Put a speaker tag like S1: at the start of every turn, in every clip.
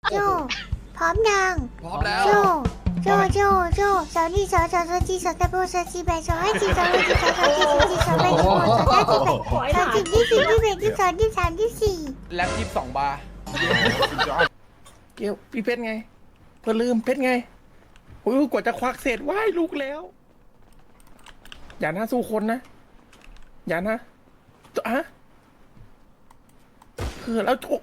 S1: โจพร้อมยัง
S2: พร้อมแล้ว
S1: โจโจสาวนี่สาวจีสาวตะโบสาวจีแบสาวให้จีสาวให้จีสาวจีสาวจีสาวแบสาวสาวจีแบสาวจีที่สี่ที่แบที่สองที่สามที่สี่
S2: แล็บ22 บาร์
S3: เกี่ยวพี่เพชรไงเพื่อลืมเพชรไงโอ้ยกว่าจะควักเสร็จว้ายลุกแล้ว อย่านะสู้คนนะ อย่านะอะแล้วโจ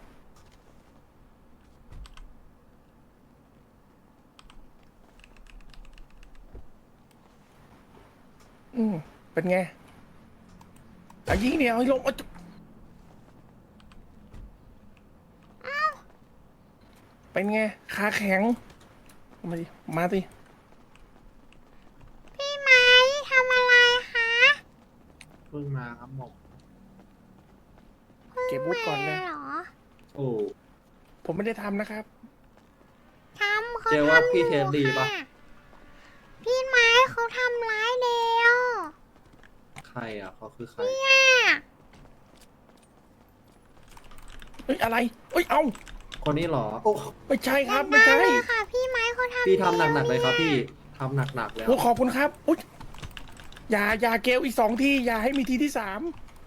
S3: เป็นไงเอายิงเนี่ยเอาให้ลงเป็นไงขาแข็งมาดิมาดิ
S1: พี่ไม้ทำอะไรคะ
S4: เพิ่งมาครับหมอ
S3: เก็บวุฒิก่อนเลย
S1: เหรอ
S4: โอ้
S3: ผมไม่ได้ทำนะครับ
S1: ทำเขา
S4: เจอว่า
S1: ทำ
S4: พี่เทสดีปะ
S1: ค่ะพี่ไม้เขาทำร้ายเดียว
S4: ใครอ่ะเขาคือใคร
S1: เนี่ย
S3: เฮ้ยอะไรเฮ้ยเอา
S4: คนนี้เหรอ
S3: ไม่ใช่ครับ
S1: อย่า
S3: ไม่ใช่
S1: เลยค่ะพี่ไม้เขาทำ
S4: พี่ทำหนักๆเลยครับพี่ทำหนักๆแล้ว
S3: โอ้ขอบคุณครับอุ๊ยอย่าเกลอีก2 ทีอย่าให้มีทีที่ 3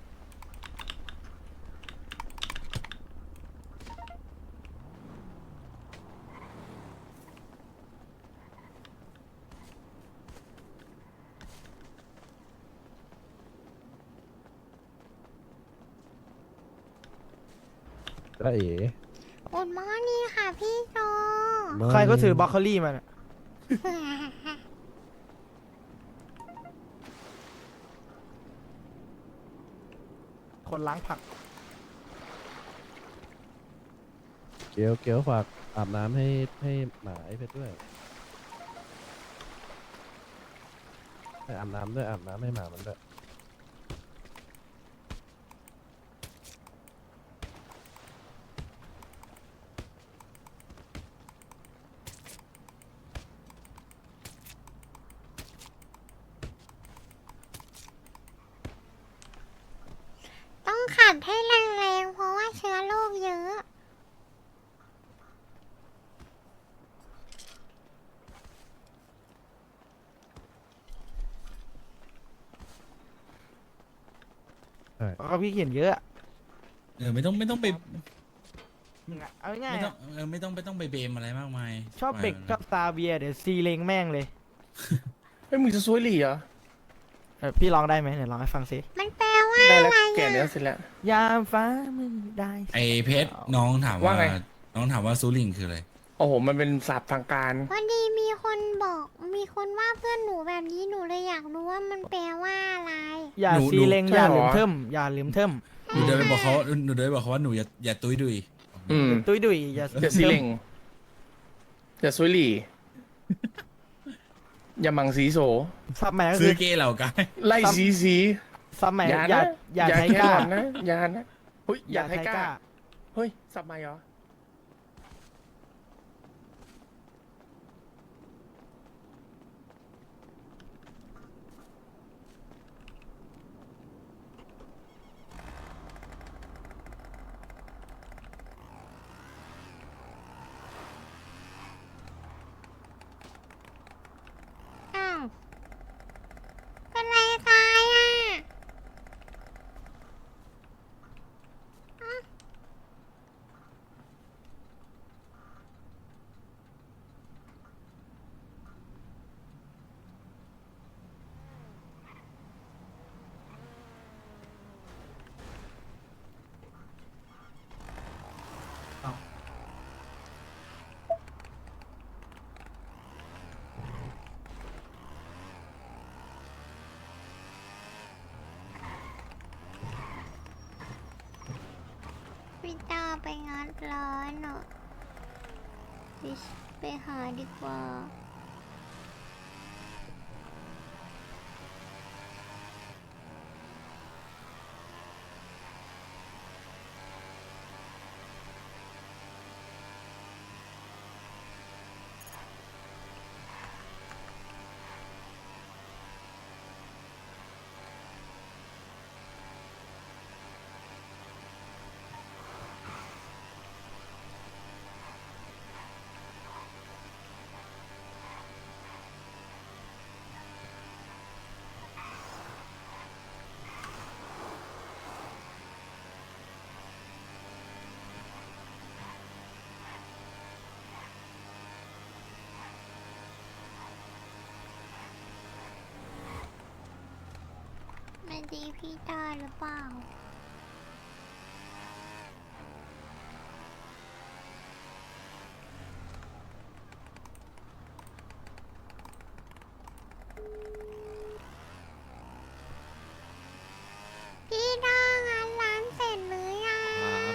S5: ได้เอ๋
S1: อุดมอนี่ค่ะพี่โจ
S6: ใครก็ถือบรอกโคลี่มาน่ะคนล้างผัก
S5: เกลฝากอาบน้ำให้หมาไอ้เพชรด้วยให้อาบน้ำด้วยอาบน้ำให้หมามันด้วย
S1: ต้องขัดให้แรงๆเพราะว่าเชื้อโรคเยอะ
S6: แล้วก็พี่เขียนเยอะ
S7: ไม่ต้องไป
S6: เอาง่าย
S7: ไม่
S6: ๆ
S7: ต้องไม่ต้องไปเบมอะไรมากมาย
S6: ชอบเบกชอบซาเบียเดี๋ยวซีเลงแม่งเลย
S3: ไม่มึงจะซวยหลี่เหรอ
S6: พี่ร้องได้ไหมเดี๋ยวร้องให้ฟังสิ
S1: มันแปลว่า
S3: ได้
S1: อะ
S3: แล้ว
S1: ไร
S3: แก่
S1: อะ
S3: แล้วเสร็จแล้ว
S6: ยามฟ้ามืดได้
S7: ไอเพชรน้องถาม
S3: ว่า
S7: ว่า
S3: ไง
S7: น้องถามว่าซูริงคืออะไร
S3: โอ้โหมันเป็นศัพท์ทางการ
S1: พอดีมีคนบอกมีคนว่าเพื่อนหนูแบบนี้หนูเลยอยากรู้ว่ามันแปลว่าอะไร
S6: อย่า
S7: หนู
S6: ซีเลง
S3: ใช่
S6: อย่า
S3: เหรอ
S6: ลืมเทิมอย่าลืมเทิม
S7: หนูเดินไปบอกเขาว่าหนูอย่าตุ้ยดุย
S6: ตุ้ยดุยอย่า
S3: อย่าซีเล่งอย่าซวยหลี่อย่ามังสีโส
S6: ซับใหม่ก็
S7: ซื้
S6: คือ อ
S7: เก้เหล่ากาย
S3: ไล่สี
S6: ซับใหม่
S3: อย่า
S6: อย่า
S3: นะ
S6: อย่าไท
S3: แค่
S6: ก้า
S3: หลอนนะอย่านะเฮ้ยอย่าไทก้า
S6: ก้า
S3: เฮ้ยสับใหม่เหรอ
S1: อ้าวเป็นไรตายอ่ะอ้าวพี่ตาไปงัดร้านอ่ะไปหาดีกว่าตีพี่ได้หรือเปล่าพี่ด้างานร้านเสร็จหรือยัง
S2: ครับ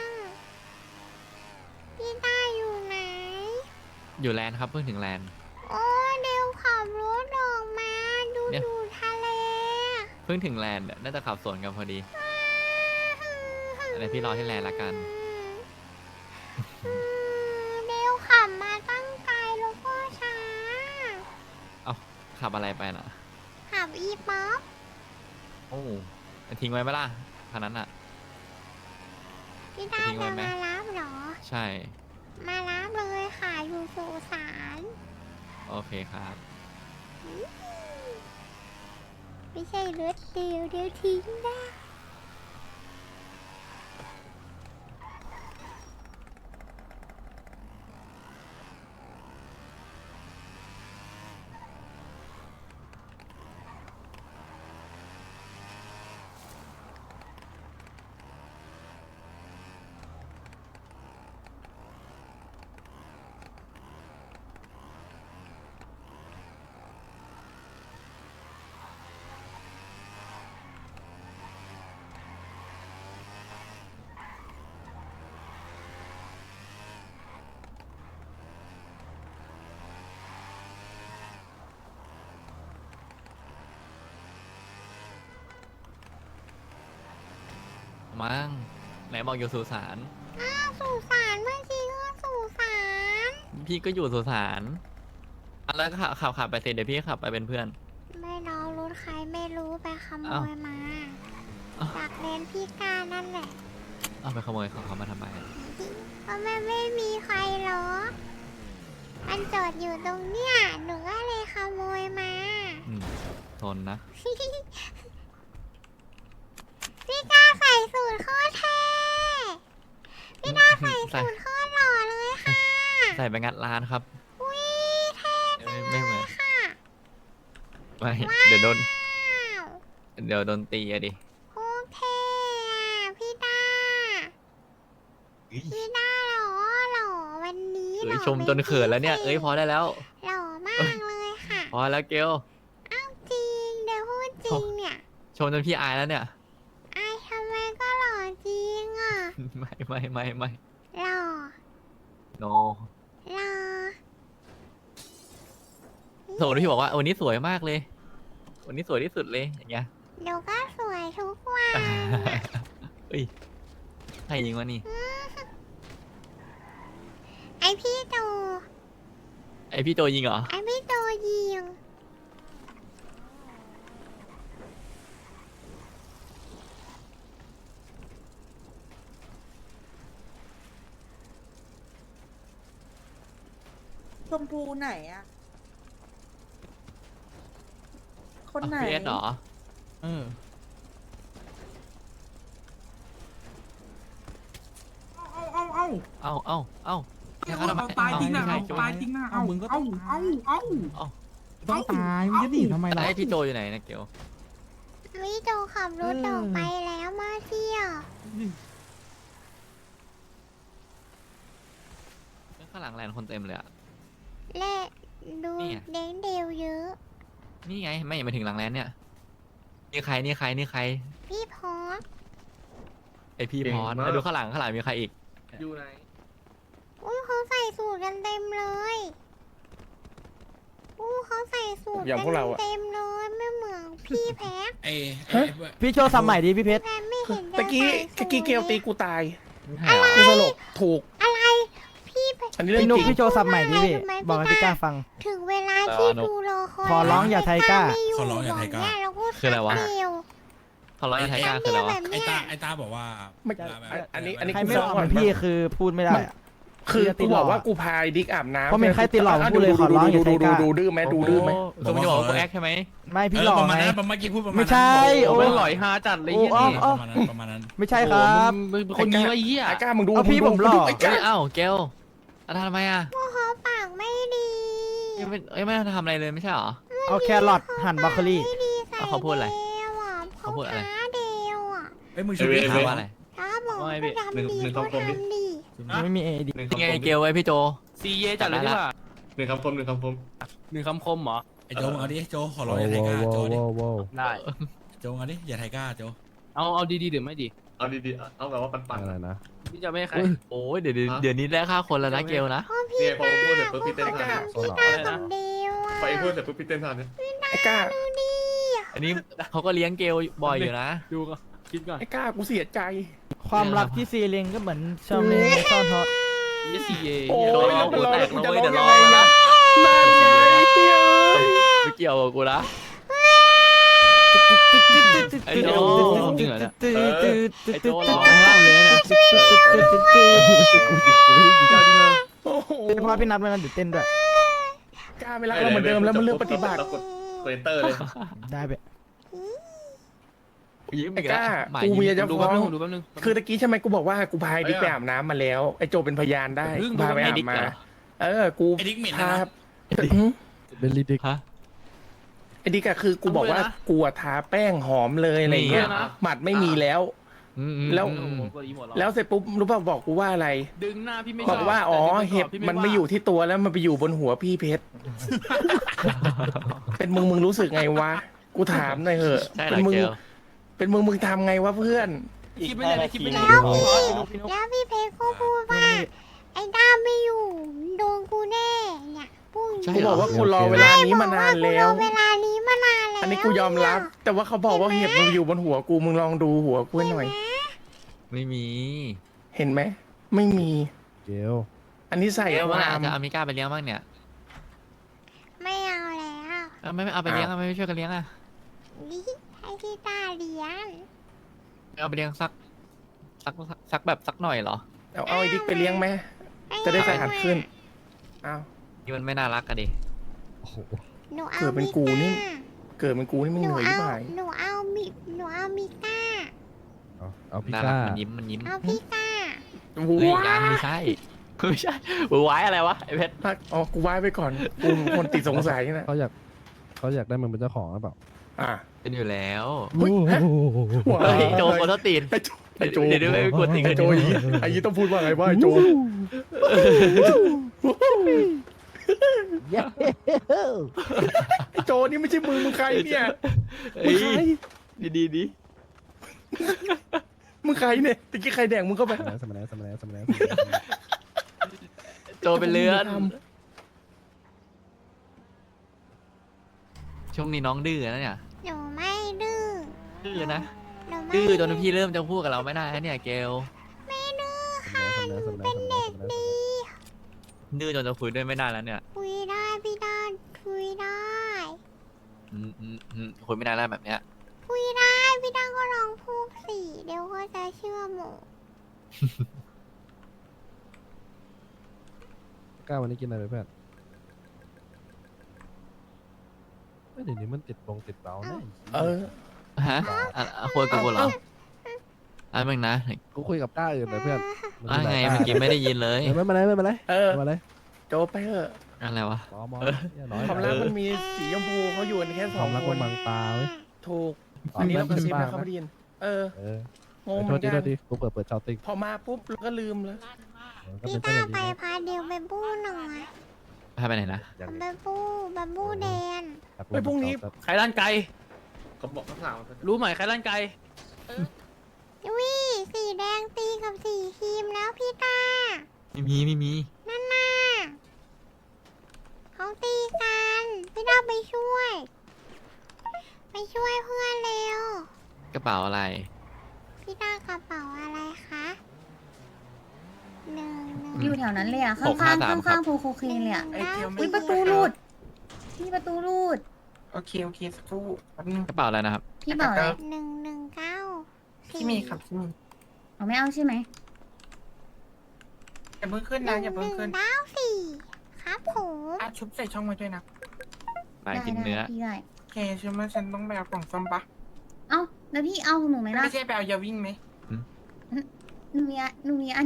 S1: พี่ด้าอยู่ไหน
S2: อยู่แลนด์ครับเพิ่งถึงแลนด์
S1: โอ้เดี๋ยวขับรถออกมาดู
S2: เนี่ย
S1: ดูทะเล
S2: เพิ่งถึงแลนด์น่าจะขับสวนกันพอดีอะไรพี่รอที่แลนด์ละกัน
S1: เดี๋ยวขับมาตั้งไกลแล้วก็ช้า
S2: เอาขับอะไรไปน่ะ
S1: ขับอีป๊อป
S2: โอ้ทิ้งไว้ไหมล่ะคันนั้นอ่ะ
S1: พี่ด้า
S2: ทิ้งไว้
S1: จะ
S2: ไหม
S1: มารับเหรอ
S2: ใช่
S1: มารับเลยค่ะอยู่สุสาน
S2: โอเคครับ
S1: ไม่ใช่รถเดียวเดี๋ยวทิ้งนะ
S2: มั้งไหนบอกอยู่สุสาน
S1: อ้าวสุสานเมื่อกี้ก็สุสาน
S2: พี่ก็อยู่สุสานอ่ะแล้วขับไปเสร็จเดี๋ยวพี่ขับไปเป็นเพื่อน
S1: ไม่รอรถใครไม่รู้ไปขโม
S2: อ้าว
S1: ยมา
S2: อ้าว
S1: จากเลนพี่กานั่นแหละ
S2: เอาไปขโมยของเขามาทำไม
S1: เพราะมันไม่มีใครหรอกมันจอดอยู่ตรงเนี้ยหนูก็เลยขโมยมา
S2: ทนนะ
S1: พี่กาใส่สูตรโคตรเท่พี่กาใส่สูตรโคตรหล่อเลยค่ะ
S2: ใส่ไปงัดร้านครับ
S1: อุ้ยเท่จัง
S2: ไม่เหมือน
S1: ค่ะ
S2: ไม่เดี๋ยวโดน
S1: ว้าว
S2: เดี๋ยวโดนตีอะดิ
S1: โคตรเท่อะพี่ดาพี่ดาหล่อหล่อวันนี้หล่อ
S2: ชมจนเขินแล้วเนี่ย เอ้ยพอได้แล้ว
S1: หล่อมากเลยค่ะ
S2: พอแล้วเกล
S1: อ้าวจริงเดี๋ยวพูดจริงเนี่ย
S2: ชมจนพี่อายแล้วเนี่ย
S1: ไอ้ทำไมก็หล่อจริงอ่ะ
S2: ไม่
S1: หล่อ
S2: โน
S1: หล่อ
S2: สมมติพี่บอกว่าวันนี้สวยมากเลย วันนี้สวยที่สุดเลยอย่างเงี้ย
S1: เดี๋ยวก็สวยทุกวัน
S2: เฮ้ยใครยิงวะนี่
S1: ไอพี่โต
S2: ไอพี่โจยิงเหรอ
S1: ไอพี่โตยิง
S8: ชมพูไหนอะคนไหน
S2: พีเอสเหรอ
S6: เออ
S2: เอ้าแค่เขาทำไม
S9: ตายจริงนะ
S2: เอ้า
S9: ตายจริงนะ
S6: เอามึงก็ต้อง
S9: เอา
S6: ต้องตายมึงจะหนีทำไม
S2: แล้ว
S6: ล่ะ
S2: ไอพี่โจอยู่ไหนนะเกล
S1: พี่โตขับรถออกไปแล้วมาเที่ยว
S2: ข้างหลังแลนด์คนเต็มเลยอะ
S1: และดู
S2: นี่ไง
S1: เด้งเดียวเยอะ
S2: นี่ไงไม่ยังไม่ถึงหลังแลนด์เนี่ยนี่ใครนี่ใคร
S1: พี่พอส
S2: ไอพี่พรแล้วดูข้างหลังมีใครอีก
S4: อยู่ไหน
S1: อุ้ยเขาใส่สูตรกันเต็มเลยอู้เขาใส่สูตร
S3: อย่างพวกเราอะ
S1: เต็มเลยไม่เหมือนพี่แพ็ค
S7: ไอ้
S6: พี่โชว์สมัยดิพี่เพชร
S1: แพ็คไม่เห็นจะ
S3: ตะกี้
S1: ใส่สูท
S3: เกลตีกูตาย
S2: ใช่เหรอ
S3: กูสลบถูก
S1: อะไรพี่แพ็ค
S3: อันนี้เรื่อ
S6: พี่
S3: ง
S6: นุ๊
S3: จ
S6: ก
S3: ริง
S6: พี่โชว์สมัยดิพี่
S1: ทำไม
S6: บอกให้
S1: พี่
S6: พี่
S1: ก
S6: ก
S1: ล้า
S6: ล้าฟัง
S1: ถึงเวลาที่ดูรอคอย
S6: ขอร้องอย่าไทก้า
S1: ไม่ยู่
S7: ขอร้องอย่าไทก้า
S1: บเนี่ยเราพูด
S2: คืออะไรวะ
S1: คำเดียว
S2: เขาร้อยไทยกาคืออะไรวะ
S1: แบบ
S7: ไอ้
S1: เนี้ย
S7: ไอ้ตาบอกว่า
S3: ไม่
S7: แบบ
S3: อันนี้
S6: ใคร
S3: กู
S6: ไม่
S3: ฟ้
S6: บ
S3: อ
S6: อง ก
S3: ก่อน
S6: พี่คือพูดไม่ได้อะ
S3: คือกูบอกว่ากูพายดิกอาบน้ำ
S6: เพราะเป็นใครติดหลอกพูดเลยขอร้องอย่าไทก้า
S3: ดูดื้อไหมดูดื้อไหม
S2: คือมันจะบอกว่ากูแอคใช่ไหม
S6: ไม่พี่
S7: เอ
S6: หล
S7: อ
S6: อก
S7: ประมาณ
S6: ไง
S7: นั้นประมาณกี้พูดประมาณ
S6: ไม่ใช่
S2: โอ้
S6: โอ้
S2: ยหลอยฮาจัดเลย
S6: โอ้
S2: ยี่นี่
S6: อ้าว
S7: ประมาณนั้น
S6: ไม่ใช่ครับ
S2: มึงเป็นคนนี้วะเหี้ย
S3: ไอ้ก้ามึงดู
S6: เอาพี่ผมหลอก
S3: ไอ้
S2: เอ้
S3: ก้าย
S2: เอ้าเกลทำไมอ่ะ
S1: พวกเขาปากไม่ดี
S2: ไม่ได้ทำอะไรเลยไม่ใช่เหรอ
S6: เอาแครอทหั่นบรอกโคลี
S1: ไม่ดีใส่
S2: เขาพูดอะไร
S1: เดียวอ่ะ
S2: เขาพูดอะไร
S1: ท้า
S7: เอ้ยมึงชุบดิ
S2: ถามว่าอะไร
S1: ถ้าบอก
S2: ว่าไง
S1: ก็
S2: พี่
S1: ทำดีก็ทำดี
S6: ไม่มีเอดี
S2: ยังไงเกลไว้พี่โจ
S9: ซีเยจัดเลยดีกว่า
S4: หนึ่งคำคม
S9: หนึ่งคำคมเหรอ
S7: ไอ้โจมึงเอาดิโจขอร้อง
S5: โว้
S7: อย่าไทยกล้าโจดิ
S5: โว้
S9: ได้
S7: โจเอาดิอย่าไทยกล้าโจ
S9: เอาดีๆหรือไม่ดี
S4: เอาดีๆเอาแบบว่าปัน
S5: อะไรนะ
S9: พี่จะไม่ให้ใคร
S2: โอ้ยเดี๋ยวนี้ได้ค่าคนแล้วนะเกลนะ
S1: พ่อ
S4: ๆ
S1: พี่
S4: เนี่ยพอ
S1: ตา
S4: พูดเสร็จปุ๊บพี่เต้น
S1: พี่
S4: ท่า
S1: ตาพี่ตากับเดียวอ่ะ
S4: พอไอ้พูดเสร็จปุ๊บพี่เต้นท่าเนี่ย
S3: ไอ้ก้า
S1: ดูดิ
S2: อันนี้เขาก็เลี้ยงเกลบ่อยอยู่นะ
S9: ดูก่อนคิดก่อน
S3: ไอ้ก้ากูเสียใจ
S6: ความรักที่ซีเรียงก็เหมือนชาวเมย์ซ่อนฮอต
S9: นี่ซีเย
S3: โอ้
S2: โดน
S3: ย
S2: ร้อง
S3: กู
S2: กู
S3: รอ
S2: แต
S3: แล้ว
S2: ก
S3: กู
S2: นะ
S3: จะ
S2: เว้ย
S3: ร้อง
S2: เดี๋ยว
S3: ยั
S2: ร้
S3: ง
S2: อง
S3: ไง
S2: แล้ว
S3: นะ
S2: นะ
S3: นั่นไงเฮ้ย
S2: ไม่เกี่ยวกับกูนะไอ้โจจริงเหรอเนี่ย
S6: ตื้อตื้อตื้อ
S2: ไอ้โจ
S6: ตื้อ
S2: ร้องห้ามเลยนะ
S3: โอ้โห
S6: เป็นเพราะพี่นัทไม่งั้นเดี๋ยวเต้นด้วย
S3: ก้าไม่รักเราเหมือนเดิมแล้วมันเลือกปฏิบัติ
S4: แล้วกดเนเตอร์เลย
S6: ได้ไป
S2: ยิ้ม
S3: ไอ้
S2: อีกแล้ว
S3: ก้า
S2: หมาย
S3: กู
S2: ยิ้
S3: เมีย
S2: ม
S3: จะ
S9: ดู
S3: ฟ้
S9: แป๊
S3: อบ ง
S9: นึงดูแป๊บนึง
S3: คือตะกี้ใช่ไหมกูบอกว่ากูพายดิกไปอาบน้ำมาแล้วไอ้โจเป็นพยานได้
S9: เพิ่ง
S3: พาไป
S2: ไอ้
S3: อาบ
S2: ดิ๊ก
S3: มา
S2: เหรอ
S3: กู
S7: ไอ้ดิ๊กเหม็น
S3: พา
S7: นะ
S5: เป็นลิดิก
S2: ฮะ
S3: ไอ้ดิกอะคือกูบอกว่ากูอะทาแป้งหอมเลยอะไรเงี้ย
S2: นี่อะ
S3: หมัดไม่มีแล้ว แล้ว
S9: โอ้โหกดอีหมด
S3: แล้วเสร็จปุ๊บรู้ป่ะบอกกูว่าอะไร
S9: ดึงหน้าพี่ไม่ช
S3: บ
S9: อ
S3: อบ กว่าอ๋อ
S9: แต่ดึง
S3: เห็บ
S9: พี่
S3: มันไม่อยู่ที่ตัวแล้วมันไปอยู่บนหัวพี่เพชร เป็นมึงรู้สึกไงวะ กูถามหน่อยเหอะ
S2: ใช่เหร
S3: เป็
S2: อน
S3: มึ
S2: เก
S3: ง
S2: ล
S3: เป็นมึงทำไงวะเพื่อน
S9: คิดไม่ได้เลยคิดไม่ได้
S1: แล้ว
S9: พี่นุ๊ก
S1: แล้วพี่เพชรก็พูดว่าไอ้ด้ามไม่อยู่โดนกูแน่เนี่ยพูด
S2: ใช่
S3: กู
S2: เหร
S3: บ
S2: อ
S3: อกว่ากูรอเวลานี้มานานแล้ว
S1: เวลานี้มานานแล้ว
S3: อันนี้กูยอมรับ แต่ว่าเขาบอกว่าเห็บมันอยู่บนหัวกูมึงลองดูหัวกูให้หน่อย
S2: ไม่มี
S3: เห็นไหมไม่มี
S5: เกล
S3: อันนี้ใส่
S2: เกล
S3: ค
S2: ว่า
S3: วาม
S2: จะเอามิก้าไปเลี้ยงบ้างเนี่ย
S1: ไม่เอาแล้ว
S2: ไม่เอาไปเลี้ยงไม่ช่วยกันเลี้ยงอ่ะ
S1: นี่ให้พี่ตาเลี้ยง
S2: เอาไปเลี้ยงสักแบบสักหน่อยเหรอ
S3: เอาไอ้ดิกไปเลี้ยงไหมจะได้สะอาดขึ้นอ้าว
S2: นี่มันไม่น่ารักอะดิ
S5: โอ้โห
S1: หนูเอา
S3: เกิดเป็นกูนี่
S1: มิก้า
S3: เกิดเป็นกูนี่มึง
S1: ห
S3: เห
S1: นู
S3: นื่อย
S1: เอา
S3: ที่ไหน
S1: หนูเอามิก้า
S5: เอาพี่
S2: น่ารั
S5: ก้าก
S2: มันยิ้มมันยิ้ม
S1: เอาพี่ก้า
S2: เฮ้ยยังไม่ใช่ไม่ใช่ไว้อะไรวะไอ้เพชร
S3: อ๋อกูไว้ไปก่อนกูคนติดสงสัยนะ
S5: เขาอยากได้มันเป็นเจ้าของหรือเปล่า
S3: อ่ะ
S2: เป็นอยู่แล้ว
S3: เฮ้ยฮะ ว้า
S2: เฮ้ยโจโคตรตีน
S3: ไอ้โจ
S2: เดี๋ยวไม่กดติด
S3: ไอ้โจไอ้ยี่ต้องพูดว่าไงว่าไอ้โจ
S5: เย้
S3: ไอ้โจนี่ไม่ใช่มึงใครเนี่ยมึ
S2: เฮ้
S3: ง
S2: ย
S3: ใคร
S2: ดี
S3: มึงใครเนี่ยตะกี้ใครแดงมึงเข้าไป
S5: สมัยแล้ว
S2: โจเป็นเลือนช่วงนี้น้องดื้อนะเนี่ย
S1: หนูไม่ดื้อ
S2: ดื้อนะ
S1: หนูไม่
S2: ดื้อจนพี่เริ่มจะพูดกับเราไม่ได้แล้วเนี่ยเกล
S1: ไม่ดื้อ
S5: เป็นเด็กดี
S2: ดื้อจนจะคุยด้วยไม่ได้แล้วเนี่ย
S1: คุยได้พี่ด้านคุยได้
S2: คุยไม่ได้แล้วแบบเนี้ย
S1: คุยได้พี่ด้านก็ลองพูดสิเดี๋ยวก็จะเชื่อหมู
S5: ก้าวันนี้กินอะไรไปเพื่อนเดี๋ยวนี้มันติดเบาเนี่ย
S3: เออ
S2: ฮะคุยกับกูเหรออันมึงนะ
S5: กูคุยกับก้าอื่นเลยเพื่อน
S2: ไงเมื่อกี้ไม่ได้ยินเลย
S5: ไม่เป็นไร
S3: เออ
S5: ไม่เป็นไร
S3: โจไปเถอะ
S2: อะไรวะ
S5: มอน้อย
S3: ความรักมันมีสีชมพูเขาอยู่กันแค่ส
S5: ค
S3: อ
S5: วาง มรัก
S3: ค
S5: มัน นบังตาเว้ย
S3: ถูกอันนี้เราก็ซิบนะเขาไม่ได้ยินเออ งงเห
S5: โท
S3: มื
S5: ษ
S3: อน
S5: ที
S3: กัน
S5: กูเปิดชาวติ๊ก
S3: พอมาปุ๊บเราก็ลืมแล้ว
S5: ก็
S1: พี่
S5: เป็น
S1: ด้า
S5: เพื่อน
S1: ไป
S5: ดี
S1: พาเดียวไปบู้หน่อย
S2: พาไปไหนนะ
S1: ไปบู้แดน
S9: ใครลั่นไกล
S4: เขาบอกเขาถาม
S9: รู้ไหมใครลั่นไกล
S1: วิสีแดงตีกับสีครีมแล้วพี่ตา
S2: ไม่มี
S1: นั่นน่ะเขาตีกันพี่ด้าไปช่วย ไปช่วยเพื่อนเร็ว
S2: กระเป๋าอะไร
S1: พี่ด้ากระเป๋าอะไรคะหนึ่ง
S8: อยู่แถวนั้นเลยอ่ะ
S2: หกห้าสามครับ
S8: ข้างๆโพโคเคนเลยอ่ะ
S1: หนึ่ง
S8: อุ้ยประตูรูดพี่ประตูรูด
S3: โอเคสักครู่แป๊บนึง
S2: กระเป๋าอะไรนะครับ
S8: พี่บอกเลย
S1: 119
S3: พี่มีครับพี่มี
S8: เอาไม่เอาใช่ไหม
S3: อย่าเพิ่งขึ้นนะอย่าเพิ่งขึ้น
S1: 194ครับผม
S3: ชุบใส่ช่องมาด้วยนะ
S2: นายกินเนื้อ
S8: ได้พี่ได้
S3: โอเคใช่ไหมฉันต้องไปเอากล่องซ่อมปะ
S8: เอ้าแล้วพี่เอาหนูไหมล่ะ
S3: ไม่ใช่ไปเอายาวิ่งไหม
S8: หนูมีอันหนูมี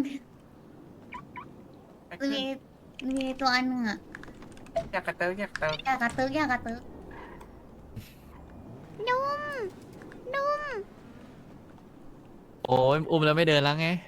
S8: ตัวอันหนึ่งอ่ะ
S3: อยากกระเติร์ก
S8: อยากกระตึกอยากกระตึก
S1: นุ่ม
S2: โอ้ยอุ้มแล้วไม่เดินแล้วไง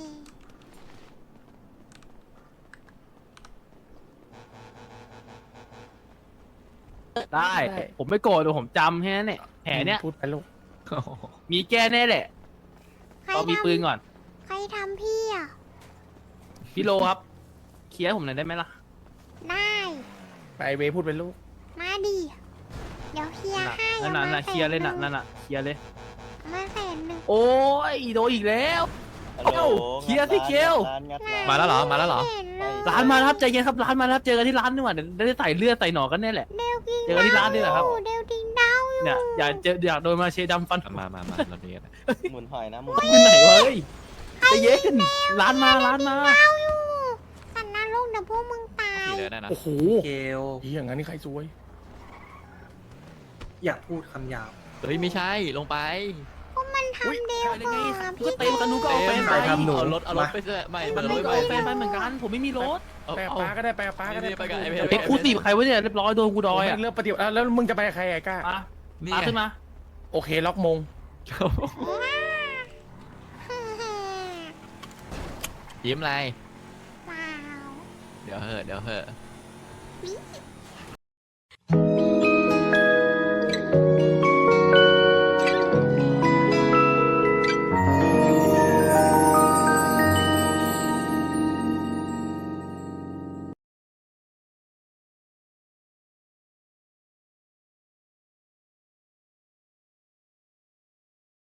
S9: ได้ ผมไม่โกรธแต่ผมจำแค่นั้นแหละแผลเนี้ย
S3: พูดไปลูก
S9: มีแก้แน่แหละ
S1: ใคร
S9: เรามี
S1: ท
S9: ปืนก่อน
S1: ำใครทำพี่อ่ะ
S9: พี่โลครับ เคลียร์ให้ผมหน่อยได้ไหมล่ะ
S1: ได้
S3: ไปเวพูดไปลูก
S1: มาดิ เดี๋ยวเคลียร์ให้
S9: นั่นน่ะนั่นน่ะเคลียร์เลยน่ะนั่นน่ะเคลียร์เลย
S1: มาแสนหนึ่ง
S9: โอ้ยโดนอีกแล้วเอ้าเคลียร์สิเกล
S2: มาแล้วเหรอ มาแล้วเหรอ
S1: ไเห็นเลย
S9: ร้านมาแล้วครับใจเย็นครับร้านมาแล้วครับเจอกันที่ร้านดีกว่าเดี๋ยวได้ใส่เลือดใส่หนอนกันแน่แหละ
S1: เดวกิน
S9: เจอกันที่ร้านนี่แหละครับ
S1: เดวดิงดาวอยู่
S9: เนี่ยอยากโดนมาเชดำฟัน
S2: มาเราดีกันนะ
S10: หมุนหอยนะหมุน
S9: ขึ้นไหนวะเฮ้ยใจเย็นร้านมาร้านมา
S1: ดาวอยู่สันนรกเดี๋ยวพวกมึงตาย
S2: ขี่เลยได้นะ
S3: โอ้โห
S10: เกล
S3: อีอย่างนั้นนี่ใครซวย
S10: อยากพูดคำหยาบ
S2: เฮ้ยไม่ใช่ลงไป
S1: พวกมันทำเดว
S9: ได้
S1: ก่อ
S9: ไง
S1: น
S9: ก็เต็มกันหนูก็เอาแฟนไป
S2: เอารถไปเถอะไม่
S9: มัน
S2: เอาร
S9: ไม่
S2: ถ
S9: ก็
S2: ไป
S9: เอาแฟนไปเหมือนกัน ผมไม่มีรถ
S2: เอา
S3: ไปกับ
S2: เอา
S3: ป้าก็ได้ไปกับป้าก็ได้
S2: นี่ไปกับไอ้เพชร
S9: เอ็กซ์คลูซีฟใครวะเนี่ยเรียบร้อยโดนกูดอยอ่ะ
S3: เรื่องปฏิบัติแล้วมึงจะไปกับใครไอ้ก้า
S9: มา
S2: นี่
S9: มา
S2: ไง
S9: ขึ้นมา
S3: โอเคล็อกมง
S2: ยิ้มอะไร
S1: เปล่า
S2: เดี๋ยวเหอะ